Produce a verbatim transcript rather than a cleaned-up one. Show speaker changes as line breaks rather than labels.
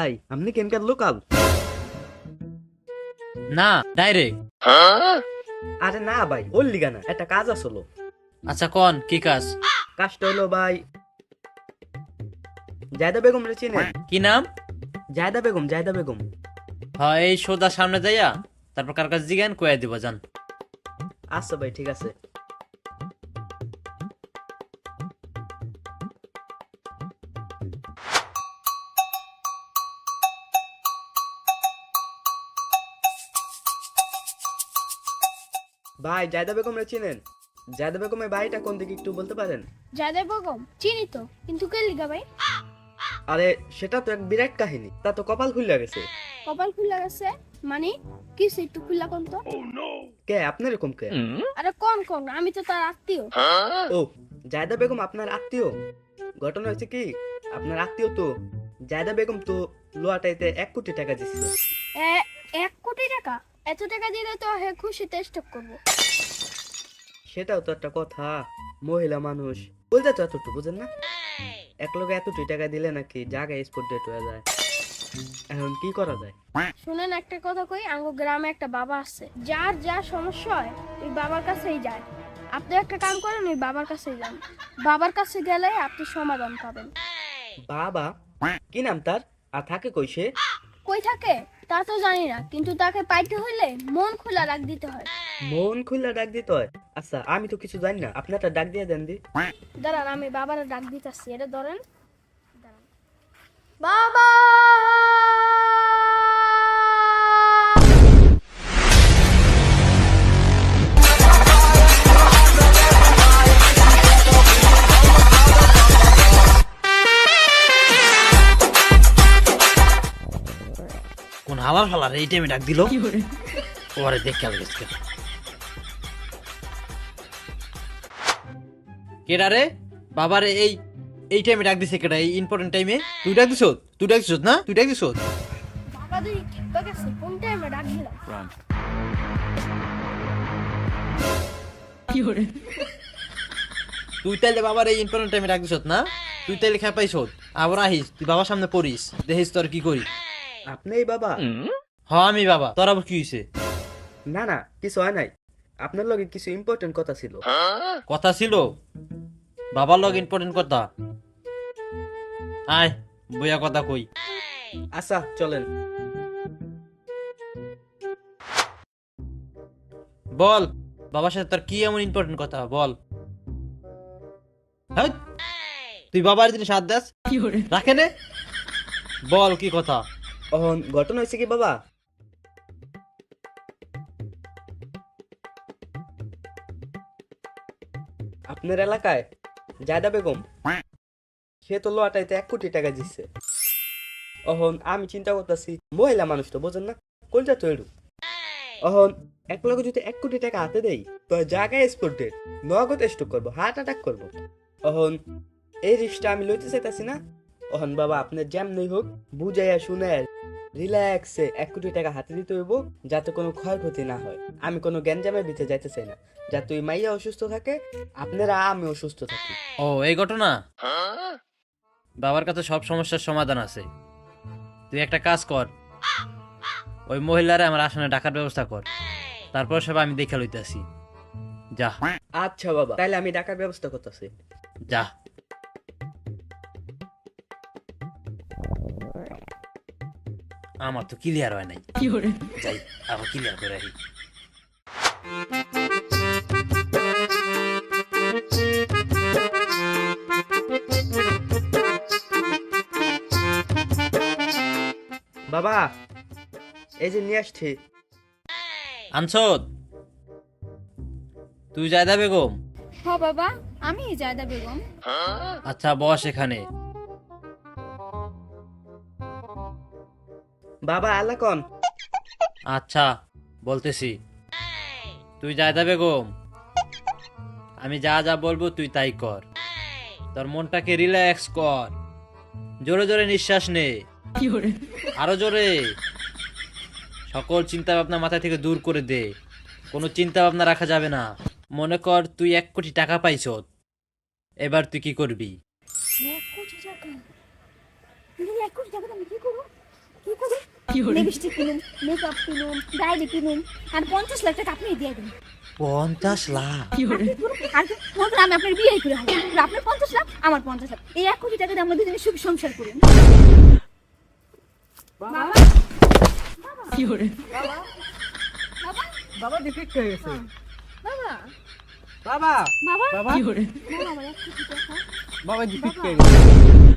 ভাই আপনি কেনকার লোকাল?
না, ডাইরেক্ট।
আরে না ভাই, ওর লিগা না, একটা কাজ আসলো।
আচ্ছা কোন কি কাজ?
কাজটা হলো ভাই, জায়দা বেগম রে চিনেন?
কি নাম?
জায়দা বেগম, জায়দা বেগম।
হ্যাঁ, এই সোজা সামনে যাইয়া তারপর কার কাছে জিজ্ঞান কয়া দিব জান।
আচ্ছা ভাই, ঠিক আছে। ভাই জায়দা বেগম রে চিনেন? জায়দা বেগমের বাড়িটা কোন দিকে একটু বলতে পারেন?
জায়দা বেগম চিনি তো, কিন্তু কে লিগা ভাই?
আরে সেটা তো এক বিরাট কাহিনী, তা তো কপাল খুলে গেছে।
কপাল খুলে গেছে মানে? কিছু একটু খুলা কোন তো।
কে আপনার এরকম কে?
আরে কোন কোন, আমি তো তার আত্মীয়।
ও, জায়দা বেগম আপনার আত্মীয়? ঘটনা হয়েছে কি, আপনার আত্মীয় তো জায়দা বেগম তো লোয়াটাইতে এক কোটি টাকা দিচ্ছে।
এ- এক কোটি টাকা? এত টাকা দিলে তো হে খুশিতে স্টক করবো।
সেটাও তো একটা কথা, মহিলা মানুষ বলতে তো এতটুকু বুঝেন না। এক লোক এতটুকু টাকা দিলে নাকি জায়গায় স্পট ডেট হয়ে যায়। এখন কি করা যায়?
শুনেন একটা কথা কই, আঙ্গো গ্রামে একটা বাবা আছে, যার যা সমস্যা হয় ওই বাবার কাছেই যায়। আপনি একটা কাম করেন, ওই বাবার কাছেই যান। বাবার কাছে গেলে আপনি সমাধান পাবেন।
বাবা? কি নাম তার, আর থাকে কই সে?
কই থাকে তা তো জানি না, কিন্তু তাকে পাইতে হইলে মন খোলা রাখ দিতে হয়।
মন খুলে ডাক দিতে হয়? আচ্ছা আমি তো কিছু জানি না, আপনি একটা ডাক দিয়ে দেন দি।
দাঁড়ান, আমি বাবার ডাক দিতেছি, এটা ধরেন। দাঁড়ান। বাবা!
কোন হালার ফালার এই টাইমে ডাক দিল? ওরে দেখ কেমন গেছে। কেডা রে? বাবারে এই এই টাইমে ডাক দিছে কেডা? এই ইম্পর্টেন্ট টাইমে তুই ডাক দিছ? তুই ডাক দিছ না? তুই ডাক দিছ?
বাবা দুই ঠিক আছে, কোন টাইমে ডাক দিলাম?
তুই তাইলে বাবার এই ইম্পর্টেন্ট টাইমে ডাক দিছ না? তুই তাইলে খেপাইছ, আবার আহিস তুই বাবার সামনে পড়িস, দেখিস তোর কি করি।
আপনি এই বাবা?
হ আমি বাবা, তোর আবার কি হইছে?
না না, কিছু হয় নাই, আপনার লগে কিছু ইম্পর্টেন্ট কথা ছিল।
কথা ছিল? বাবার লগ ইম্পর্টেন্ট কথা? আয় বইয়া কথা কই।
আচ্ছা চলেন।
বল বাবার সাথে তোর কি এমন ইম্পর্টেন্ট কথা বল। হ্যাঁ, তুই বাবার জিনিস হাত দাস রাখে নে, বল কি কথা।
এখন ঘটনা হয়েছে কি বাবা, আপনার এলাকায় জায়দা বেগম, সে তো লোয়াটাইতে এক কোটি টাকা দিচ্ছে। এখন আমি চিন্তা করতেছি, মহিলা মানুষ তো বোঝেন না, কোনটা তো এরু। এখন এক লগে যদি এক কোটি টাকা হাতে দেই, তো জায়গায় স্পট ডেট, নগদ স্টক করবো, হার্ট অ্যাটাক করবো। এখন এই রিস্কটা আমি লইতে চাইতাছি না। এখন বাবা আপনার যেমনই হোক বুঝাইয়া শুনে রিল্যাক্সে এক কোটি টাকা হাতে দিতে হইব, যাতে কোনো ক্ষয়ক্ষতি না হয়। আমি কোনো গ্যাঞ্জামের ভিতরে যাইতে চাই না, যাতে ওই মাইয়া অসুস্থ থাকে, আপনারা আমি অসুস্থ থাকি।
ও এই ঘটনা? বাবার কাছে সব সমস্যার সমাধান আছে। তুই একটা কাজ কর, ওই মহিলারে আমার আসনে ডাকার ব্যবস্থা কর, তারপর সব আমি দেখে লইতেছি। যা
আচ্ছা বাবা, তাইলে আমি টাকার ব্যবস্থা করতেছি।
যা। আমার তো ক্লিয়ার হয় নাই, যাই আবার ক্লিয়ার করে রাখি।
বাবা এই যে নিয়ে আসছি।
আনছদ তুই জায়দা বেগম?
হ বাবা, আমি জায়দা বেগম।
আচ্ছা বস এখানে।
বাবা আলাকন।
আচ্ছা বলতেছি, তুই জায়দা বেগম, আমি যা যা বলবো তুই তাই কর। তোর মনটাকে রিল্যাক্স কর, জোরে জোরে নিঃশ্বাস নে, আরো জোরে। সকল চিন্তা ভাবনা মাথা থেকে দূর করে দে, কোনো চিন্তা ভাবনা রাখা যাবে না। মনে কর তুই এক কোটি টাকা পাইছ, এবার তুই কি করবি?
এক কোটি টাকা? তুমি এক কোটি টাকা আমি কি করবো?
লিপস্টিক কিনুন, মেকআপ কিনুন, ডায়েরি কিনুন, আর পঞ্চাশ লাখ টাকা আপনি দিয়ে দিন।
পঞ্চাশ লাখ
আর মনে করেন আমি আপনার বিয়ে করে হারি, আপনার পঞ্চাশ লাখ, আমার পঞ্চাশ লাখ, এই এক কোটি টাকা দিয়ে আমরা দুজনে সুখী সংসার করি।
বাবা ডিফেক্ট হয়ে গেছে
বাবা
বাবা
বাবা
বাবা
বাবা আমার এক কোটি টাকা।
বাবা ডিফেক্ট হয়ে গেছে